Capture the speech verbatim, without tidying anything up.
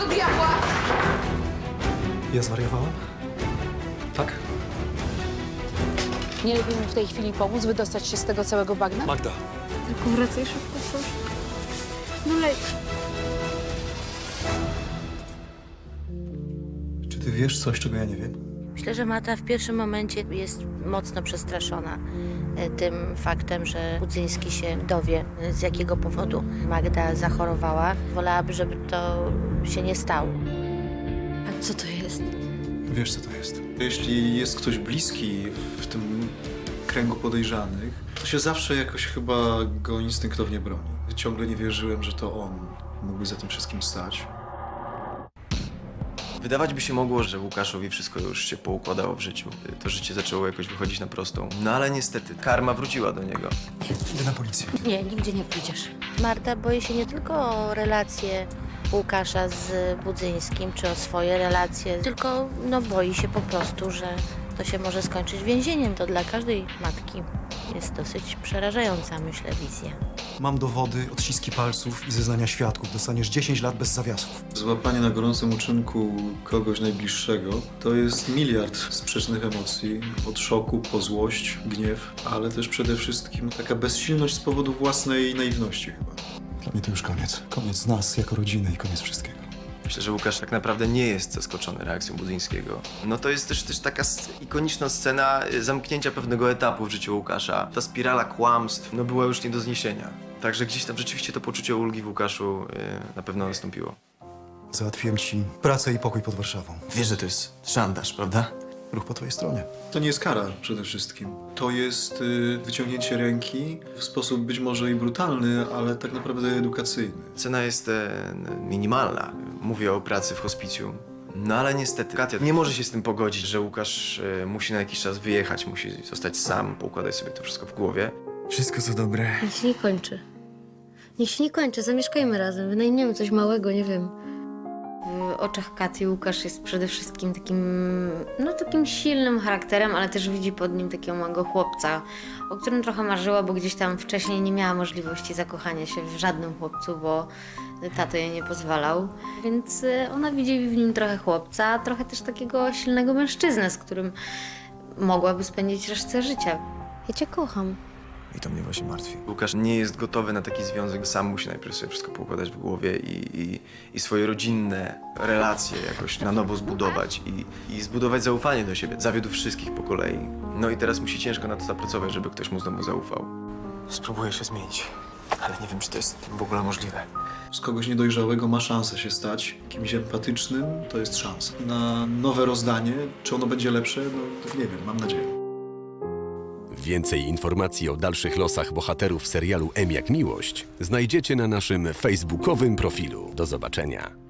do diabła? Ja zwariowałem? Tak? Nie lepiej mi w tej chwili pomóc, wydostać się z tego całego bagna? Magda. Tylko wracaj szybko, proszę. No leć. Czy ty wiesz coś, czego ja nie wiem? Myślę, że Marta w pierwszym momencie jest mocno przestraszona e, tym faktem, że Budzyński się dowie, e, z jakiego powodu Magda zachorowała. Wolałaby, żeby to się nie stało. A co to jest? Wiesz, co to jest. Jeśli jest ktoś bliski w tym kręgu podejrzanych, to się zawsze jakoś chyba go instynktownie broni. Ciągle nie wierzyłem, że to on mógłby za tym wszystkim stać. Wydawać by się mogło, że Łukaszowi wszystko już się poukładało w życiu. To życie zaczęło jakoś wychodzić na prostą. No ale niestety, karma wróciła do niego. Idę na policję. Nie, nigdzie nie pójdziesz. Marta boi się nie tylko o relacje Łukasza z Budzyńskim, czy o swoje relacje, tylko no, boi się po prostu, że to się może skończyć więzieniem. To dla każdej matki jest dosyć przerażająca, myślę, wizja. Mam dowody, odciski palców i zeznania świadków. Dostaniesz dziesięć lat bez zawiasów. Złapanie na gorącym uczynku kogoś najbliższego to jest miliard sprzecznych emocji. Od szoku po złość, gniew, ale też przede wszystkim taka bezsilność z powodu własnej naiwności chyba. Dla mnie to już koniec. Koniec nas jako rodziny i koniec wszystkiego. Myślę, że Łukasz tak naprawdę nie jest zaskoczony reakcją Budzyńskiego. No to jest też, też taka s- ikoniczna scena y, zamknięcia pewnego etapu w życiu Łukasza. Ta spirala kłamstw no, była już nie do zniesienia. Także gdzieś tam rzeczywiście to poczucie ulgi w Łukaszu y, na pewno nastąpiło. Załatwiłem ci pracę i pokój pod Warszawą. Wiesz, że to jest szantaż, prawda? Ruch po twojej stronie. To nie jest kara przede wszystkim. To jest y, wyciągnięcie ręki w sposób być może i brutalny, ale tak naprawdę edukacyjny. Cena jest e, minimalna. Mówię o pracy w hospicjum. No ale niestety Katia nie może się z tym pogodzić, że Łukasz e, musi na jakiś czas wyjechać, musi zostać sam, poukładać sobie to wszystko w głowie. Wszystko co dobre. Niech się nie kończy. Niech się nie kończy, zamieszkajmy razem, wynajmiemy coś małego, nie wiem. W oczach Katy Łukasz jest przede wszystkim takim, no takim silnym charakterem, ale też widzi pod nim takiego małego chłopca, o którym trochę marzyła, bo gdzieś tam wcześniej nie miała możliwości zakochania się w żadnym chłopcu, bo tato jej nie pozwalał. Więc y, ona widzi w nim trochę chłopca, a trochę też takiego silnego mężczyznę, z którym mogłaby spędzić resztę życia. Ja cię kocham. I to mnie właśnie martwi. Łukasz nie jest gotowy na taki związek, sam musi najpierw sobie wszystko poukładać w głowie i, i, i swoje rodzinne relacje jakoś na nowo zbudować i, i zbudować zaufanie do siebie. Zawiódł wszystkich po kolei. No i teraz musi ciężko na to zapracować, żeby ktoś mu znowu zaufał. Spróbuję się zmienić, ale nie wiem, czy to jest w ogóle możliwe. Z kogoś niedojrzałego ma szansę się stać kimś empatycznym, to jest szansa. Na nowe rozdanie, czy ono będzie lepsze, no nie wiem, mam nadzieję. Więcej informacji o dalszych losach bohaterów serialu M jak Miłość znajdziecie na naszym facebookowym profilu. Do zobaczenia.